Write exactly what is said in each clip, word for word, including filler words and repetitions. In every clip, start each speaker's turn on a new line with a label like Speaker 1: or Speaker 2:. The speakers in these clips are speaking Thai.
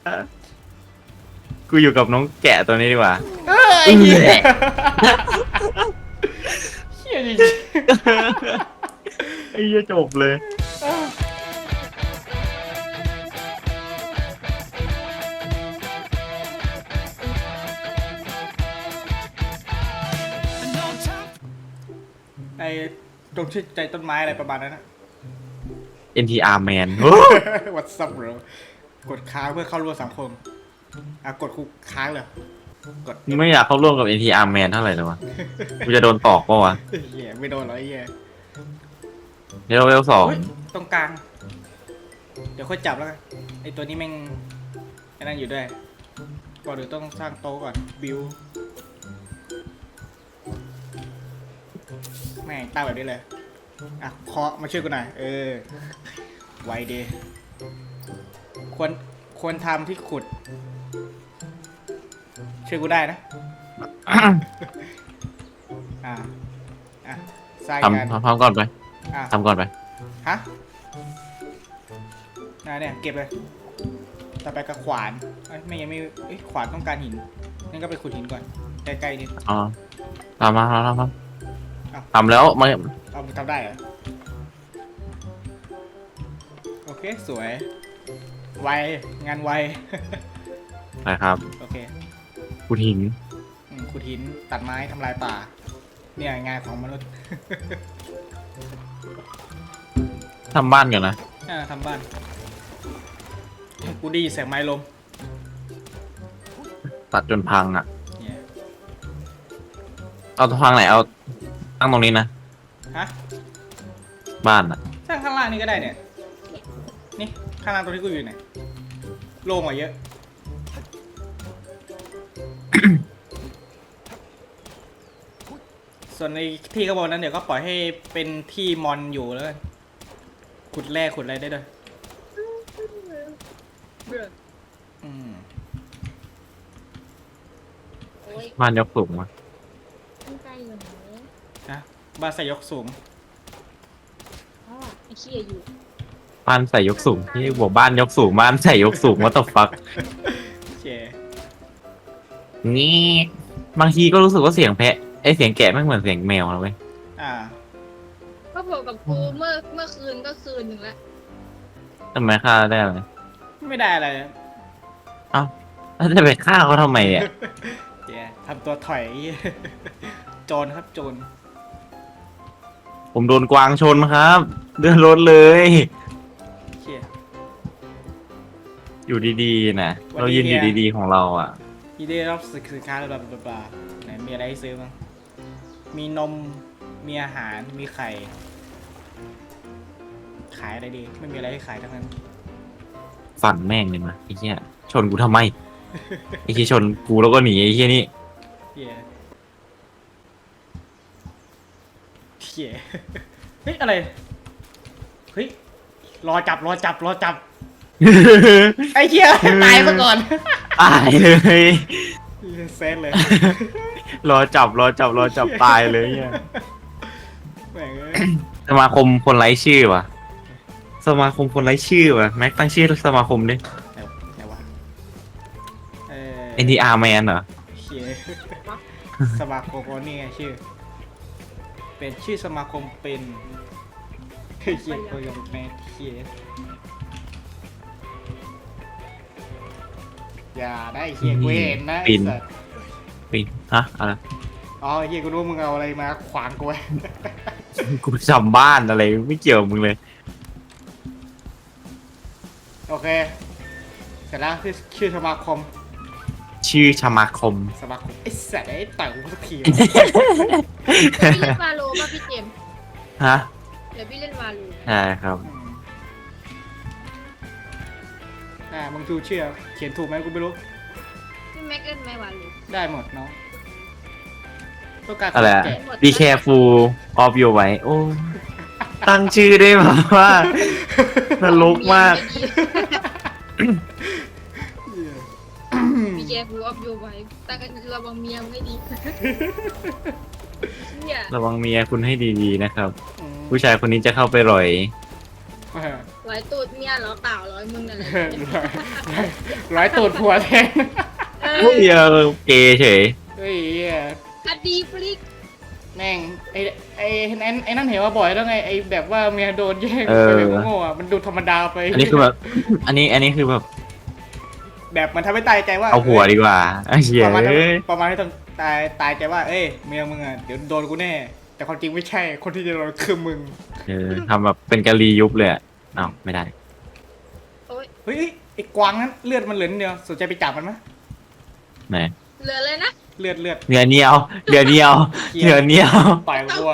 Speaker 1: กูอยู่กับน้องแกะตัวนี้ดีกว่า
Speaker 2: เอ้ยเหี้ยเหี้ยจริง
Speaker 1: ไอ้เหี้ยจบเลย
Speaker 2: ไอ้ตรงชื่อใจต้นไม้อะไรประมาณนั้นนะ
Speaker 1: เอ็น ที อาร์ man
Speaker 2: What's up bro กดค้างเพื่อเข้าร่วมสังคมอ่ะกดคุกค้างเลยกด
Speaker 1: ไม่อยากเข้าร่วมกับ เอ็น ที อาร์ man เท่าไหร่เลยวะกูจะโดนตอกปะวะ
Speaker 2: เหี้ยไม่โดนหรอไอ้เหี้ย
Speaker 1: เลเวลสอง
Speaker 2: เฮ้ยตรงกลาง เดี๋ยวค่อยจับแล้วกันไอ้ตัวนี้แม่งไอ้นั่นอยู่ด้วยก่อนเดี๋ยวต้องสร้างโต๊ะก่อนบิวแม่งตั้งแบบนี้เลยอ่ะเคาะมาช่วยกูหน่อยเออไวดีควรควรทำที่ขุดช่วยกูได้นะ อ่าอ่ะสร้างกัน
Speaker 1: ทำทำก่อนไป
Speaker 2: อ่ะ
Speaker 1: ทำก่อนไป
Speaker 2: ฮะน่าเนี่ยเก็บเลยต่อไปกับขวานเอ้ยไม่ยังไม่เอ้ยขวานต้องการหินงั้นก็ไปขุดหินก่อนใกล้ๆนิด
Speaker 1: อ๋อทำมาทำทำท
Speaker 2: อ้าว
Speaker 1: ำทำแล้วไม่
Speaker 2: เอามึงทำได้เหรอโอเคสวยไวงานไว
Speaker 1: นะครับ
Speaker 2: โอเค
Speaker 1: กูหิน
Speaker 2: อืมขุดหินตัดไม้ทำลายป่าเนี่ยงานของมนุษย์
Speaker 1: ทำบ้านก่อนนะ
Speaker 2: อ่าทำบ้านกูไดีแสงไม้ลม
Speaker 1: ตัดจนพังอ่ะ
Speaker 2: เนี่ย
Speaker 1: เอาพังไหนเอาตั้งตรงนี้นะ
Speaker 2: ฮะ
Speaker 1: บ้านอ่ะ
Speaker 2: สร้างข้างล่างนี่ก็ได้เนี่ยนี่ข้างล่างตรงที่กูอยู่เนี่ยโล่งกว่าเยอะ ส่วนในที่ข้างบนนั้นเดี๋ยวก็ปล่อยให้เป็นที่มอนอยู่แล้วกันขุดแร่ขุดอะไรได้ด้วย
Speaker 3: เบื่อ
Speaker 2: อืม
Speaker 3: โอ้ย
Speaker 1: บ้านยกสูงมา
Speaker 3: ตั้งใจอยู่ไหน
Speaker 2: นะบ้านใส่ยกสูง
Speaker 3: อ๋อไอ้เชี่ยอยู่
Speaker 1: บ้านใส่ยกสูงที่บอกบ้านยกสูงบ้านใส่ยกสูงว่าต ฟัก
Speaker 2: เจ
Speaker 1: นี่บางทีก็รู้สึกว่าเสียงแพะไอเสียงแกะไม่เหมือนเสียงแมวนะเว้ย
Speaker 2: อ่า
Speaker 3: ก็บอกกับกูเมื่อเมื่อคืนก็คืนหนึ่งแล้ว
Speaker 1: ทำไมฆ่าได้ไหม
Speaker 2: ไม่ได้อะไร
Speaker 1: แล้วจะไปฆ่าเขาทำไมอ่ะ
Speaker 2: เจทำตัวถอย โจรครับโจร
Speaker 1: ผมโดนกวางชนครับเดือดรถเลย
Speaker 2: เชี่ย
Speaker 1: อยู่ดีๆนะ
Speaker 2: วันนี้
Speaker 1: เรายืนอยู่
Speaker 2: เนี่ย
Speaker 1: ดีๆของเราอ่ะ
Speaker 2: ยีได้รับสินค้าบลาบลาบลาไหนมีอะไรให้ซื้อบ้างมีนมมีอาหารมีไข่ ขายอะไรดี ไม่มีอะไรให้ขายทั้งนั้น
Speaker 1: ฝันแม่งเลยมาไอ้เหี้ยชนกูทำไม ไอ้เหี้ยชนกูแล้วก็หนีไอ้เหี้ยนี่
Speaker 2: เหี้ยเหี้ยเฮ้ยอะไร เฮ้ย รอจับรอจับรอจับ ไอ้เหี้ย ตายมาก่อน
Speaker 1: ตายเลย
Speaker 2: เซนเลย
Speaker 1: รอจับรอจับรอจับตายเลยเนี่ย
Speaker 2: แม่งเอ้ย
Speaker 1: สมาคมคนไร้ชื่อว่ะ สมาคมคนไร้ชื่อว่ะแม็กตั้งชื่อสมาคมดิ
Speaker 2: ไหนไหนวะเออ
Speaker 1: เอ็น ที อาร์ man เหรอ
Speaker 2: เหี้ยสมาคมคนนี่ไงชื่อ เป็นชื่อสมาคมเป็นเฮ้ยเหี้ยโปรยมแมทเหี้ยอย่าได้เหี้ยกูเห็นนะไอ้
Speaker 1: ปิ่น
Speaker 2: สัส
Speaker 1: ปีฮะอะไร
Speaker 2: อ๋อเหี้ยกูรู้มึงเอาอะไรมาขวางกูไว้
Speaker 1: กูจำบ้านอะไรไม่เกี่ยวกับมึงเลย
Speaker 2: โอเค เสร็จแล้วชื่อชื่อสมาคม
Speaker 1: ชื่อสมาคม
Speaker 2: สมาคมไอ้สัตว์ไอ้ต่อยกูสักทีวะ
Speaker 3: พี่เล่นวาโลป่ะพี่เจมส์
Speaker 1: ฮะ
Speaker 3: เดี๋ยวพี่เล่นวาโล
Speaker 1: ใช่ครับ
Speaker 2: อืมอ่ามึงดูเชื่อเขียนถูกไหมกูไม่รู้
Speaker 3: พี่แม็กเล่นไหมวาโล
Speaker 2: ได้หมดเนาะต้องการ
Speaker 1: อะไรอะ
Speaker 2: แกะ
Speaker 1: be careful of your ไว้โอ้ตั้งชื่อได้แบบว่านรกมาก
Speaker 3: พี่แกฟูออฟยูไว้ตั้งระวังเมียไม่ดีเนี่ย
Speaker 1: ระวังเมียคุณให้ดีๆนะครับ
Speaker 2: อืม
Speaker 1: ผู้ชายคนนี้จะเข้าไปหร่อย
Speaker 2: เออ
Speaker 3: ไหวร้อยตูดเมียเหรอเปล่าร้อยมึงนั่นแหละ
Speaker 2: ร้อยร้อยตูดผัวแทน
Speaker 3: เอ
Speaker 1: เฮ้ย
Speaker 3: อ
Speaker 1: เออเกย์เฉย
Speaker 2: เฮ้ยเหี้ย
Speaker 3: คดีฟลิก
Speaker 2: แม่งไอ้ไอ้ไอ้ไอ้นั่นเห็นว่าบ่อยแล้วไงไอ้แบบว่าเมียโดนแย่ง
Speaker 1: เออ
Speaker 2: ไปแบบโง่ๆอะมันดูธรรมดาไป
Speaker 1: อันนี้คือแบบ อันนี้อันนี้คือแบบ
Speaker 2: แบบมันทำให้ตายใจว่า
Speaker 1: เอาหัวดีกว่าไอ้เหี้ย
Speaker 2: ประมาณนั้น
Speaker 1: เอ้ย
Speaker 2: ประมาณให้ต้องตายตายใจว่าเอ้ยเมียมึงอ่ะเดี๋ยวโดนกูแน่ แต่ความจริงไม่ใช่คนที่จะโดนคือมึง
Speaker 1: เออทำแบบเป็นกะลียุบเลยอะอ้าวไม่ได้
Speaker 3: โอ้ย
Speaker 2: เฮ้ยไอ้กวางนั้นเลือดมันเหลือนิดเดียวสนใจไปจับมันไหม
Speaker 1: ไหน
Speaker 3: เหลือเลยนะ
Speaker 2: เลือดเลือด
Speaker 1: เหนือเหนียวเหนือเหนียวเหนือเหนียว
Speaker 2: ปล่อยวัว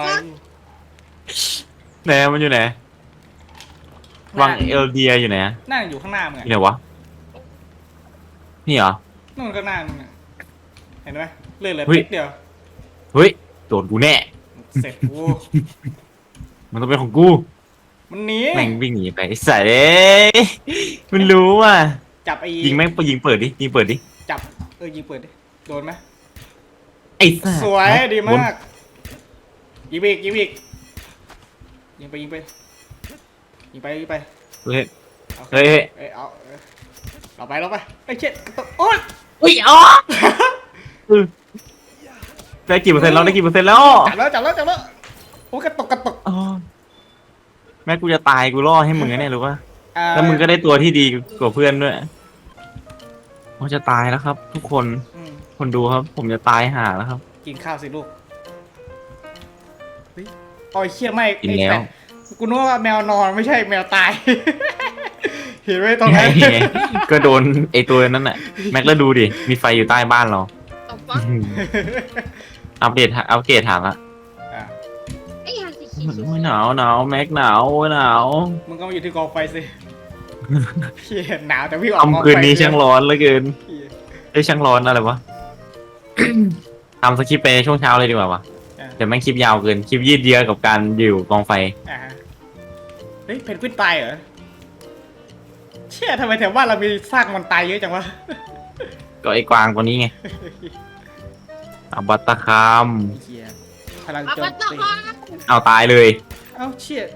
Speaker 1: ไหนมันอยู่ไหนวังเอลเดียอยู่ไหนอะ
Speaker 2: นั่งอยู่ข้างหน้ามึง
Speaker 1: อ
Speaker 2: อะ
Speaker 1: ยู่ไหนวะนี่เหรอ
Speaker 2: นู่นข้างหน้ามึงอะเห็นไหมเลือดเหลือ
Speaker 1: เฮ้ย
Speaker 2: นิดเดียว
Speaker 1: เฮ้ยโดนกูแน่
Speaker 2: เสร็จกู
Speaker 1: มันต้องเป็นของกู
Speaker 2: มันหนี
Speaker 1: แม่งวิ่งหนีไปไอ้สัสเอ้ยมันรู้ว่ะ
Speaker 2: จับไอ้
Speaker 1: ยิงแม่งไปยิงเปิดดิยิงเปิดดิ
Speaker 2: จับเออยิงเปิดดิโดนไหม
Speaker 1: ไอ้สัส
Speaker 2: สวยดี
Speaker 1: บน
Speaker 2: มากยิงไปอีกยิงไปอีกยิงไปยิงไปยิงไปยิงไป
Speaker 1: เฮ้ย
Speaker 2: อา
Speaker 1: เฮ้ยเฮ้ย
Speaker 2: เอ้ยเอาเอ้ยเราไปเราไปไอ้ยเช็ดกระตุกโอ๊ย
Speaker 1: อุ้ยอ๋อเออได้กี่เปอร์เซ็นต์แล้วได้กี่เปอร์เซ็นต์แล้ว
Speaker 2: จับแล้วจับแล้วจับแล้วโอ้ยกระตุกกระตุก
Speaker 1: อ๋อแม่กูจะตายกูล่อให้มึงแน่รู้ป่ะ
Speaker 2: อ่า
Speaker 1: แล้วมึงก็ได้ตัวที่ดีกว่าเพื่อนด้วยผมจะตายแล้วครับ ทุกคน
Speaker 2: อืม
Speaker 1: คนดูครับ ผมจะตายห่าแล้วครับ
Speaker 2: กินข้าวสิลูกเฮ้ยโอ้ยเชี่ยไม่
Speaker 1: กินแล้ว
Speaker 2: ไอ้ต่กูนึกว่าแมวนอนไม่ใช่แมวตาย เห็นไหมตรงนั้น
Speaker 1: ก็โดนไอตัวนั้นน่ะ แม็กแล้วดูดิ มีไฟอยู่ใต้บ้านเรา
Speaker 3: เอาฟัก
Speaker 1: อัปเดตอัปเกรดถามละ
Speaker 2: อ่ะ
Speaker 3: ไอ้ยาสีขี
Speaker 1: โอ้ยหนาวหนาวแม็กหนาวโอ้ยหนาว
Speaker 2: มึงก็มาอยู่ที่กองไฟสิเชี่ยหนาวแต่วิ่งออกกอง
Speaker 1: ทำ
Speaker 2: ไฟ
Speaker 1: คืนนี้ช่างร้อนเหลือเกิน
Speaker 2: เหี้ย
Speaker 1: ไอ้ยช่างร้อนอะไรวะ ทำสคริปต์ไปช่วงเช้าเลยดีกว่าวะ
Speaker 2: อ่ะ
Speaker 1: เดี๋ยวแม่งคลิปยาวเกิน คลิปยืดเยื้อกับการอยู่กองไฟ
Speaker 2: อ่ะฮะเฮ้ยเพนกวินตายเหรอเชี่ยทำไมแถวบ้านเรามีซากมันตายเยอะจังวะ
Speaker 1: ก็ไอ้กวางตัวนี้ไงอาบัตตะคาม
Speaker 2: เชี่ยพลัง
Speaker 3: เอา
Speaker 2: โจ
Speaker 3: ปั
Speaker 2: ม
Speaker 3: ตตะ
Speaker 2: ตี
Speaker 3: คอน
Speaker 1: เอาตายเลย
Speaker 2: เอ้าเชี่ย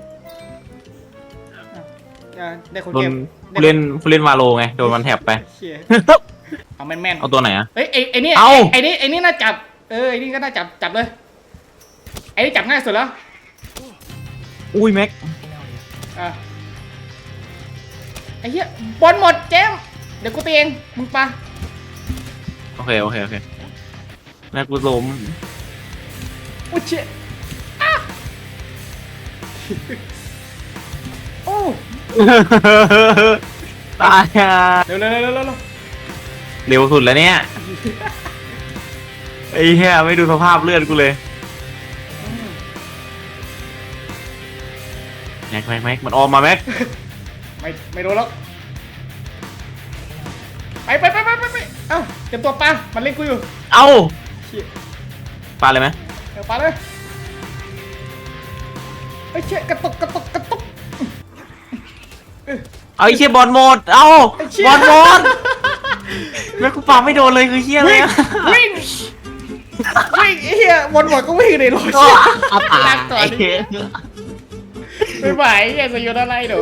Speaker 2: อ่ะได้คน
Speaker 1: โดน
Speaker 2: เกม
Speaker 1: ผู้เล่นผู้เล่นวาโลไง โดนมันแถบไป
Speaker 2: เชี่ยเอาแม่นแม่นๆ
Speaker 1: เอาตัวไหนอะ
Speaker 2: เฮ้ยไอ้ไอ้นี่
Speaker 1: เอ้า
Speaker 2: ไอ้นี่ไอ้นี่น่าจับ เออไอ้นี่ก็น่าจับจับเลยไอ้นี่จับง่ายสุดแล้ว
Speaker 1: อุ้ยแม็ก
Speaker 2: อ่ะไอ้เหี้ยบอลหมดเจมส์เดี๋ยวกูตีเองมึงปะ
Speaker 1: โอเค โอเค โอเค แม็กกูล้ม
Speaker 2: อุ้ยเชี่ยอ่ะโอ้
Speaker 1: ตายอ่ะ
Speaker 2: เร็วเร็วเร็วเร็วเร็ว
Speaker 1: เร็วสุดแล้วเนี่ย ไอ้เหี้ยไม่ดูสภาพเลือดกูเลย
Speaker 2: อืม
Speaker 1: แม็กแม็กแม็กมันออกมาแม็ก
Speaker 2: ไม่ไม่โดนแล้วไปไปไปไปไปไปเอ้าเตรียมตัวปะมันเล่นกูอยู่
Speaker 1: เอ้า
Speaker 2: เชี่ย
Speaker 1: ปาเลยไหม
Speaker 2: เดี๋ยวปะเลยไอ้ยเชี่ยกระตุกกระตุกกระตุก
Speaker 1: เอาไอ้เชี่ยบอลหมด เอ้า
Speaker 2: ไอ้เชี่ย
Speaker 1: บอลหมดแม็กกูปาไม่โดนเลยคือเชี่ยอะไร
Speaker 2: วิ่ง
Speaker 1: อะ
Speaker 2: วิ่งวิ่งไอ้เหี้ยวนหมดก็วิ่งในรถ
Speaker 1: ก็อับ
Speaker 2: ลา
Speaker 1: อาก
Speaker 2: ก่อน
Speaker 1: ไอ้เหี้ย
Speaker 2: ไม่ไหวอย่าสยดอะไรหนู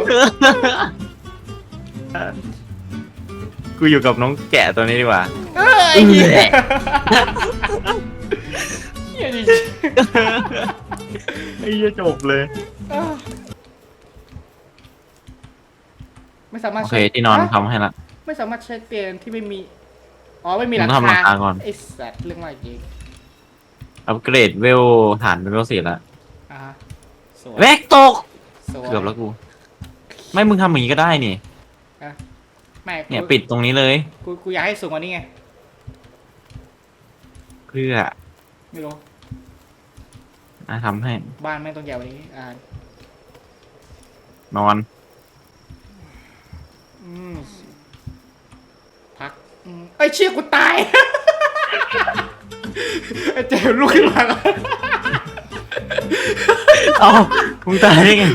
Speaker 1: กูอยู่กับน้องแกะตัวนี้ดีกว่า
Speaker 2: เออไอ้เหี้ยเหี้ยจริง
Speaker 1: ไอ้เหี้ยจบเลย
Speaker 2: ๆเออไม่สามารถ
Speaker 1: โอเค
Speaker 2: ใช้
Speaker 1: ที่นอน
Speaker 2: ฮะ
Speaker 1: ทำให้ละ
Speaker 2: ไม่สามารถใช้เตียงที่ไม่มีอ๋อไม่มีหลัง
Speaker 1: ผมทำหลัง
Speaker 2: คา
Speaker 1: คาก่อน
Speaker 2: ไอ้สัตว์เรื่องอะไรจริง
Speaker 1: อัปเกรดเวลฐานเป็นเวลสี่ละ
Speaker 2: อ่าฮะสวย
Speaker 1: แม็กตก
Speaker 2: สวย
Speaker 1: เกือบแล้วกู ไม่มึงทำอย่างนี้ก็ได้นี่
Speaker 2: อ่ะไม่กู
Speaker 1: เนี่ยปิดตรงนี้เลย
Speaker 2: กูกูอยากให้สูงกว่านี้ไง
Speaker 1: เพื่อ
Speaker 2: ไม่รู้
Speaker 1: อ่ะทำให้
Speaker 2: บ้านแม่งต้องใหญ่กว่านี้อ่าน
Speaker 1: อน
Speaker 2: อืมพักอืมไอ้ยเชี่ยกูตาย ไอ้เจมส์ลุกขึ้นมาก่อน
Speaker 1: เอ้ามึงตายได้ไง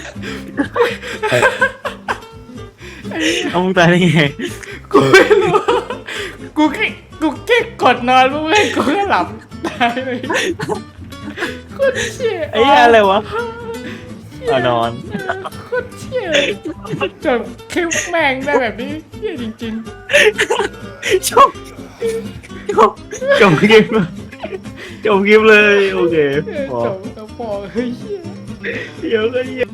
Speaker 1: เอามึงตายได้ไง
Speaker 2: กูไม่รู้กูแค่กูแค่กดนอนเพื่อนกูก็หลับตายเลยโคตรเชี่ย
Speaker 1: ไอ้เหี้ยอะไรวะเอานอน
Speaker 2: โคตรเชี่ยเหี้ยจบคลิปแม่งได้แบบนี้เหี้ยจริง
Speaker 1: จบจบจบคลิปจบคลิปเลยโอเค
Speaker 2: ๆเออ
Speaker 1: พอ
Speaker 2: จบแล้วพอเฮ้ยเหี้ย
Speaker 1: เดี๋ยวก็เหี้ย